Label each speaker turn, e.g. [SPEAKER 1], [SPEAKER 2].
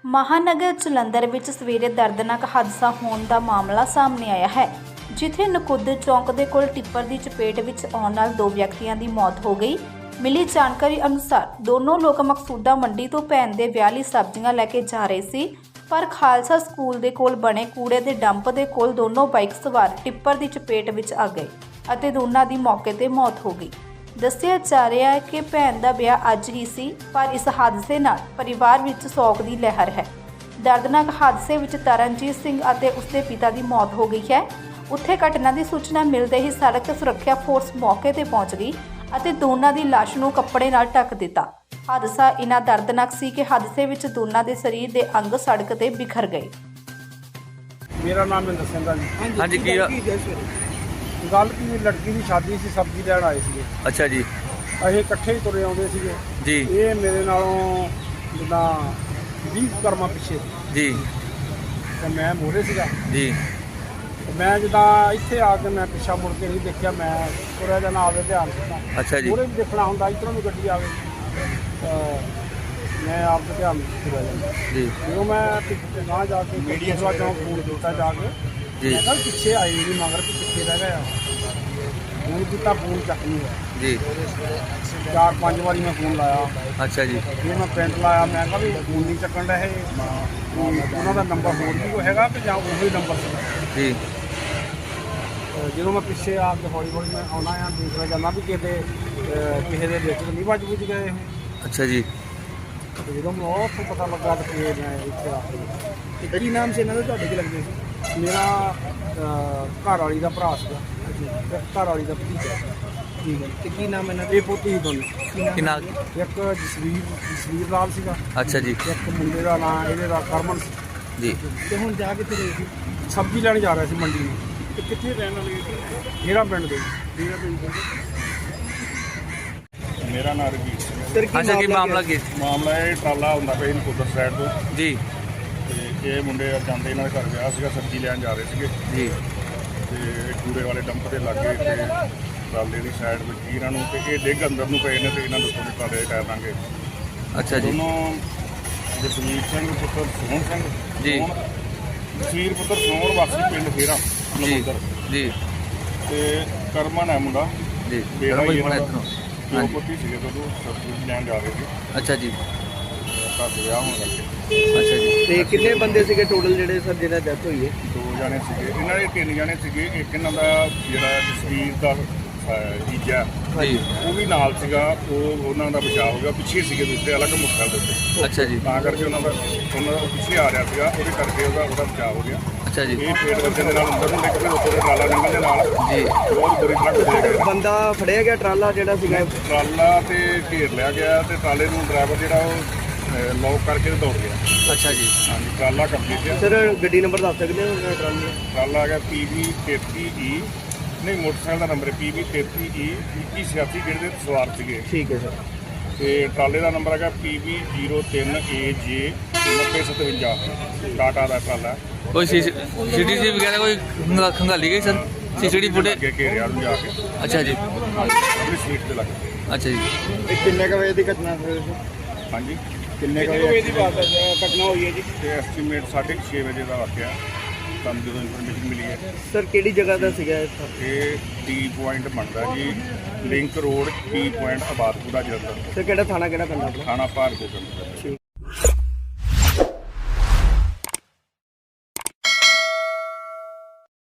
[SPEAKER 1] ਮਹਾਨਗਰ ਜਲੰਧਰ ਵਿੱਚ ਸਵੇਰੇ ਦਰਦਨਾਕ ਹਾਦਸਾ ਹੋਣ ਦਾ ਮਾਮਲਾ ਸਾਹਮਣੇ ਆਇਆ ਹੈ, ਜਿੱਥੇ ਨਕੁੱਦਰ ਚੌਂਕ ਦੇ ਕੋਲ ਟਿੱਪਰ ਦੀ ਚਪੇਟ ਵਿੱਚ ਆਉਣ ਨਾਲ 2 ਵਿਅਕਤੀਆਂ ਦੀ ਮੌਤ ਹੋ ਗਈ। ਮਿਲੀ ਜਾਣਕਾਰੀ ਅਨੁਸਾਰ ਦੋਨੋਂ ਲੋਕ ਮਕਸੂਦਾ ਮੰਡੀ ਤੋਂ ਭੈਣ ਦੇ ਵਿਆਹ ਲਈ ਸਬਜ਼ੀਆਂ ਲੈ ਕੇ ਜਾ ਰਹੇ ਸੀ, ਪਰ ਖਾਲਸਾ ਸਕੂਲ ਦੇ ਕੋਲ ਬਣੇ ਕੂੜੇ ਦੇ ਡੰਪ ਦੇ ਕੋਲ ਦੋਨੋਂ ਬਾਈਕ ਸਵਾਰ ਟਿੱਪਰ ਦੀ ਚਪੇਟ ਵਿੱਚ ਆ ਗਏ ਅਤੇ ਦੋਨਾਂ ਦੀ ਮੌਕੇ ਤੇ ਮੌਤ ਹੋ ਗਈ। ਦੱਸਿਆ ਜਾ ਰਿਹਾ ਹੈ ਕਿ ਭੈਣ ਦਾ ਵਿਆਹ ਅੱਜ ਹੀ ਸੀ, ਪਰ ਇਸ ਹਾਦਸੇ ਨਾਲ ਪਰਿਵਾਰ ਵਿੱਚ ਸੋਗ ਦੀ ਲਹਿਰ ਹੈ। ਦਰਦਨਾਕ ਹਾਦਸੇ ਵਿੱਚ ਤਰਨਜੀਤ ਸਿੰਘ ਅਤੇ ਉਸਦੇ ਪਿਤਾ ਦੀ ਮੌਤ ਹੋ ਗਈ ਹੈ। ਉੱਥੇ ਘਟਨਾ ਦੀ ਸੂਚਨਾ ਮਿਲਦੇ ਹੀ ਸੜਕ ਸੁਰੱਖਿਆ ਫੋਰਸ ਮੌਕੇ ਤੇ ਪਹੁੰਚ ਗਈ ਅਤੇ ਦੋਨਾਂ ਦੀ ਲਾਸ਼ ਨੂੰ ਕੱਪੜੇ ਨਾਲ ਢੱਕ ਦਿੱਤਾ। ਹਾਦਸਾ ਇੰਨਾ ਦਰਦਨਾਕ ਸੀ ਕਿ ਹਾਦਸੇ ਵਿੱਚ ਦੋਨਾਂ ਦੇ ਸਰੀਰ ਦੇ ਅੰਗ ਸੜਕ ਤੇ ਬਿਖਰ ਗਏ।
[SPEAKER 2] ਮੇਰਾ ਨਾਮ ਮਹਿੰਦਰ ਸਿੰਘ ਹੈ ਜੀ।
[SPEAKER 3] ਹਾਂਜੀ ਕੀ
[SPEAKER 2] ਗੱਲ ਕੀ, ਲੜਕੀ ਦੀ ਸ਼ਾਦੀ ਸੀ, ਸਬਜ਼ੀ ਲੈਣ ਆਏ ਸੀਗੇ।
[SPEAKER 3] ਅੱਛਾ ਜੀ
[SPEAKER 2] ਅਸੀਂ ਇਕੱਠੇ ਹੀ ਤੁਰੇ ਆਉਂਦੇ ਸੀਗੇ
[SPEAKER 3] ਜੀ
[SPEAKER 2] ਇਹ ਮੇਰੇ ਨਾਲੋਂ ਜਿੱਦਾਂ 20 ਕਰਮਾਂ ਪਿੱਛੇ
[SPEAKER 3] ਜੀ
[SPEAKER 2] ਤੇ ਮੈਂ ਮੋਰੇ ਸੀਗਾ।
[SPEAKER 3] ਜੀ
[SPEAKER 2] ਤੇ ਮੈਂ ਜਿੱਦਾਂ ਇੱਥੇ ਆ ਕੇ ਮੈਂ ਪਿੱਛਾ ਮੁੜ ਕੇ ਨਹੀਂ ਦੇਖਿਆ, ਮੈਂ ਤੁਰਿਆ ਜਾਣਾ ਆਵੇ ਧਿਆਨ ਦਿੱਤਾ।
[SPEAKER 3] ਅੱਛਾ ਜੀ
[SPEAKER 2] ਮੋਰੇ ਵੀ ਦੇਖਣਾ ਹੁੰਦਾ, ਇੱਧਰੋਂ ਵੀ ਗੱਡੀ ਆਵੇ ਤਾਂ ਮੈਂ ਆਪ ਦਾ ਧਿਆਨ ਤੁਰਿਆ ਜਾਂਦਾ।
[SPEAKER 3] ਜੀ
[SPEAKER 2] ਜਦੋਂ ਮੈਂ ਪਿੱਛੇ ਗਾਂ ਜਾ ਕੇ ਮੀਡੀਆ ਚੌਂਕ ਫੋਨ ਕੀਤਾ ਜਾ ਕੇ,
[SPEAKER 3] ਜੀ
[SPEAKER 2] ਮੈਂ ਕਿਹਾ ਪਿੱਛੇ ਆਏ ਨਹੀਂ ਮਗਰ ਕਿ ਪਿੱਛੇ ਰਹਿ ਗਿਆ। ਫੋਨ ਕੀਤਾ, ਫੋਨ ਚੱਕ ਨਹੀਂ ਹੋਇਆ।
[SPEAKER 3] ਜੀ
[SPEAKER 2] 4-5 ਵਾਰੀ ਮੈਂ ਫੋਨ ਲਾਇਆ।
[SPEAKER 3] ਅੱਛਾ ਜੀ
[SPEAKER 2] ਫਿਰ ਮੈਂ ਪਿੰਡ ਲਾਇਆ, ਮੈਂ ਕਿਹਾ ਵੀ ਫੋਨ ਨਹੀਂ ਚੱਕਣ ਰਹੇ, ਉਹਨਾਂ ਦਾ ਨੰਬਰ ਹੋਰ ਵੀ ਕੋਈ ਹੈਗਾ ਕਿ ਜਾਂ ਉਹੀ ਨੰਬਰ ਸੀਗਾ।
[SPEAKER 3] ਜੀ
[SPEAKER 2] ਜਦੋਂ ਮੈਂ ਪਿੱਛੇ ਆ ਕੇ ਹੌਲੀ ਹੌਲੀ ਮੈਂ ਆਉਣਾ ਆ, ਦੇਖਦਾ ਜਾਂਦਾ ਵੀ ਕਿਸੇ ਦੇ ਵਿੱਚ ਨਹੀਂ ਵੱਜ ਗਏ ਇਹ।
[SPEAKER 3] ਅੱਛਾ ਜੀ
[SPEAKER 2] ਤੇ ਜਦੋਂ ਮੈਨੂੰ ਉੱਥੋਂ ਪਤਾ ਲੱਗਾ ਕਿ ਮੈਂ ਇੱਥੇ ਆ ਕੇ। ਕੀ ਨਾਮ ਸੀ ਇਹਨਾਂ ਦਾ, ਤੁਹਾਡੇ ਕੀ ਲੱਗਦੇ ਸੀ? ਮੇਰਾ ਘਰ ਵਾਲੀ ਦਾ ਭਰਾ ਸੀਗਾ ਤੇ ਘਰ ਵਾਲੀ ਦਾ ਭਤੀਜਾ। ਠੀਕ ਹੈ। ਤੇ ਕੀ ਨਾਮ ਇਹਨਾਂ ਦੇ? ਇਹ ਪੋਤੀ ਸੀ ਦੋਨੋਂ।
[SPEAKER 3] ਕਿੰਨਾ?
[SPEAKER 2] ਇੱਕ ਜਸਵੀਰ ਲਾਲ ਸੀਗਾ।
[SPEAKER 3] ਅੱਛਾ ਜੀ
[SPEAKER 2] ਇੱਕ ਮੁੰਡੇ ਦਾ ਨਾਂ ਇਹਦੇ ਦਾ ਕਰਮਨ ਸੀ
[SPEAKER 3] ਜੀ
[SPEAKER 2] ਤੇ ਹੁਣ ਜਾ ਕੇ ਤੇ ਸਬਜ਼ੀ ਲੈਣ ਜਾ ਰਿਹਾ ਸੀ ਮੰਡੀ ਨੂੰ। ਤੇ ਕਿੱਥੇ ਰਹਿਣ ਵਾਲੇ? ਜਿਹੜਾ ਪਿੰਡ ਦੇ।
[SPEAKER 4] ਮੇਰਾ ਨਾਮ ਰਵੀਰ ਸਿੰਘ ਹੈ।
[SPEAKER 3] ਅੱਛਾ ਕੀ ਮਾਮਲਾ ਕੀ?
[SPEAKER 4] ਮਾਮਲਾ ਇਹ ਟਰਾਲਾ ਹੁੰਦਾ ਪਿਆ ਨਕੁੱਦਰ ਸਾਈਡ ਤੋਂ,
[SPEAKER 3] ਜੀ
[SPEAKER 4] ਤੇ ਇਹ ਮੁੰਡੇ ਜਾਂਦੇ ਇਹਨਾਂ ਦੇ ਘਰ ਵਿਆਹ ਸੀਗਾ, ਸਬਜ਼ੀ ਲੈਣ ਜਾ ਰਹੇ ਸੀਗੇ
[SPEAKER 3] ਜੀ
[SPEAKER 4] ਤੇ ਕੂੜੇ ਵਾਲੇ ਡੰਪ ਦੇ ਲਾਗੇ ਤੇ ਟਰਾਲੇ ਦੀ ਸਾਈਡ ਵਿੱਚ ਹੀ ਇਹਨਾਂ ਨੂੰ, ਤੇ ਇਹ ਡਿੱਗ ਅੰਦਰ ਨੂੰ ਪਏ ਨੇ ਤੇ ਇਹਨਾਂ ਨੂੰ ਉੱਤੋਂ ਦੀ ਟਰਾਲੇ ਦੇ ਟਾਇਰ ਲਾਂਗੇ।
[SPEAKER 3] ਅੱਛਾ ਜੀ
[SPEAKER 4] ਦੋਨੋਂ ਜਸਵੀਰ ਸਿੰਘ ਪੁੱਤਰ ਸੋਹਣ ਸਿੰਘ
[SPEAKER 3] ਜੀ।
[SPEAKER 4] ਜਸਵੀਰ ਪੁੱਤਰ ਸੋਹਣ ਵਾਸੀ ਪਿੰਡ ਫੇਰਾ
[SPEAKER 3] ਜੀ
[SPEAKER 4] ਨਕੁੱਦਰ,
[SPEAKER 3] ਜੀ
[SPEAKER 4] ਤੇ ਕਰਮਨ ਹੈ ਮੁੰਡਾ
[SPEAKER 3] ਜੀ
[SPEAKER 4] ਬੇੜਾ ਹੀ
[SPEAKER 3] ਬੜਾ
[SPEAKER 4] ਇਹਨਾਂ
[SPEAKER 3] ਇੱਧਰੋਂ।
[SPEAKER 4] ਦੋ
[SPEAKER 3] ਹਾਂਜੀ
[SPEAKER 4] ਪੁੱਤੀ ਸੀਗੇ ਜਦੋਂ ਸਬਜ਼ੀ ਲੈਣ ਜਾ ਰਹੇ ਸੀ,
[SPEAKER 3] ਅੱਛਾ ਜੀ
[SPEAKER 4] ਘਰ ਦੇ ਵਿਆਹ ਹੋਣ ਲੱਗੇ।
[SPEAKER 3] ਅੱਛਾ ਜੀ
[SPEAKER 5] ਤੇ ਕਿੰਨੇ ਬੰਦੇ ਸੀਗੇ ਟੋਟਲ ਜਿਹੜੇ ਸਰ ਜਿਹਨਾਂ ਡੈਥ ਹੋਈ ਹੈ?
[SPEAKER 4] 2 ਜਣੇ ਸੀਗੇ ਇਹਨਾਂ ਦੇ, 3 ਜਣੇ ਸੀਗੇ। ਇੱਕ ਇਹਨਾਂ ਦਾ ਜਿਹੜਾ ਜਸਵੀਰ ਦਾ ਜੀਜਾ
[SPEAKER 3] ਜੀ
[SPEAKER 4] ਉਹ ਵੀ ਨਾਲ ਸੀਗਾ, ਉਹਨਾਂ ਦਾ ਬਚਾਅ ਹੋ ਗਿਆ। ਪਿੱਛੇ ਸੀਗੇ ਦੂਸਰੇ ਅਲੱਗ ਮੁੱਖਾਂ ਦੇ ਉੱਤੇ,
[SPEAKER 3] ਅੱਛਾ ਜੀ
[SPEAKER 4] ਤਾਂ ਕਰਕੇ ਉਹਨਾਂ ਦਾ ਪਿੱਛੇ ਆ ਰਿਹਾ ਸੀਗਾ, ਉਹਦੇ ਕਰਕੇ ਉਹਦਾ ਬਚਾਅ ਹੋ ਗਿਆ।
[SPEAKER 3] ਅੱਛਾ ਜੀ
[SPEAKER 4] ਇਹ ਪੇੜ ਵੱਜਣ ਦੇ ਨਾਲ ਅੰਦਰ ਨੂੰ ਨਿਕਲੇ, ਉੱਪਰ ਦੇ ਟਰਾਲਾ ਨਿਕਲਣ ਦੇ ਨਾਲ
[SPEAKER 3] ਜੀ
[SPEAKER 4] ਬਹੁਤ ਬੁਰੀ ਤਰ੍ਹਾਂ ਘੁੰਮੇ ਗਏ।
[SPEAKER 5] ਬੰਦਾ ਫੜਿਆ ਗਿਆ ਟਰਾਲਾ ਜਿਹੜਾ ਸੀਗਾ?
[SPEAKER 4] ਟਰਾਲਾ ਤੇ ਘੇਰ ਲਿਆ ਗਿਆ ਤੇ ਟਰਾਲੇ ਨੂੰ ਡਰਾਈਵਰ ਜਿਹੜਾ ਉਹ ਲੌਕ ਕਰਕੇ ਤੇ ਦੌੜ ਗਿਆ।
[SPEAKER 3] ਅੱਛਾ ਜੀ
[SPEAKER 4] ਹਾਂਜੀ, ਟਰਾਲਾ ਕੰਪਲੀਟ ਹੈ।
[SPEAKER 5] ਸਰ ਗੱਡੀ ਨੰਬਰ ਦੱਸ ਸਕਦੇ ਹੋ ਟਰਾਲੇ ਦਾ?
[SPEAKER 4] ਟਰਾਲਾ ਹੈਗਾ PB 33E, ਨਹੀਂ ਮੋਟਰਸਾਈਕਲ ਦਾ ਨੰਬਰ ਹੈ PB 33E 2186, ਜਿਹੜੇ ਦੇ ਸਵਾਰ ਸੀਗੇ।
[SPEAKER 5] ਠੀਕ ਹੈ ਸਰ।
[SPEAKER 4] ਤੇ ਟਰਾਲੇ ਦਾ ਨੰਬਰ ਹੈਗਾ PB 03AJ 9057, ਟਾਟਾ ਦਾ ਟਰਾਲਾ।
[SPEAKER 3] ਕੋਈ ਸੀਟੀਸੀ ਵਗੈਰਾ ਕੋਈ ਖੰਗਾਲੀ ਗਈ ਸਰ? CCT footage?
[SPEAKER 4] ਅੱਗੇ ਘੇਰਿਆ ਨੂੰ ਜਾ ਕੇ
[SPEAKER 3] ਅੱਛਾ ਜੀ
[SPEAKER 4] ਆਪਣੀ ਸੀਟ ਤੇ ਲੱਗ ਗਏ।
[SPEAKER 3] ਅੱਛਾ ਜੀ
[SPEAKER 5] ਇਹ ਕਿੰਨੇ ਕ ਵਜੇ ਦੀ ਘਟਨਾ ਸਰ?
[SPEAKER 4] ਹਾਂਜੀ,
[SPEAKER 5] ਕਿੰਨੇ ਕ
[SPEAKER 4] ਵਜੇ
[SPEAKER 5] ਵਜੇ
[SPEAKER 4] ਦੀ
[SPEAKER 5] ਘਟਨਾ ਹੋਈ ਹੈ ਜੀ?
[SPEAKER 4] ਤੇ ਐਸਟੀਮੇਟ 6:30 ਵਜੇ ਦਾ ਵਾਕਿਆ ਸਾਨੂੰ ਜਦੋਂ ਇਨਫੋਰਮੇਸ਼ਨ ਮਿਲੀ ਹੈ।
[SPEAKER 5] ਸਰ ਕਿਹੜੀ ਜਗ੍ਹਾ ਦਾ ਸੀਗਾ ਇਹ?
[SPEAKER 4] ਇਹ ਟੀ ਪੁਆਇੰਟ ਬਣਦਾ ਜੀ, link road T point Abadpura Jalandhar,
[SPEAKER 5] sir ਕਿਹੜਾ ਥਾਣਾ ਕਿਹੜਾ ਪੈਂਦਾ ਆਪਣਾ?
[SPEAKER 4] ਥਾਣਾ ਭਾਰਗੋ ਪਿੰਡ।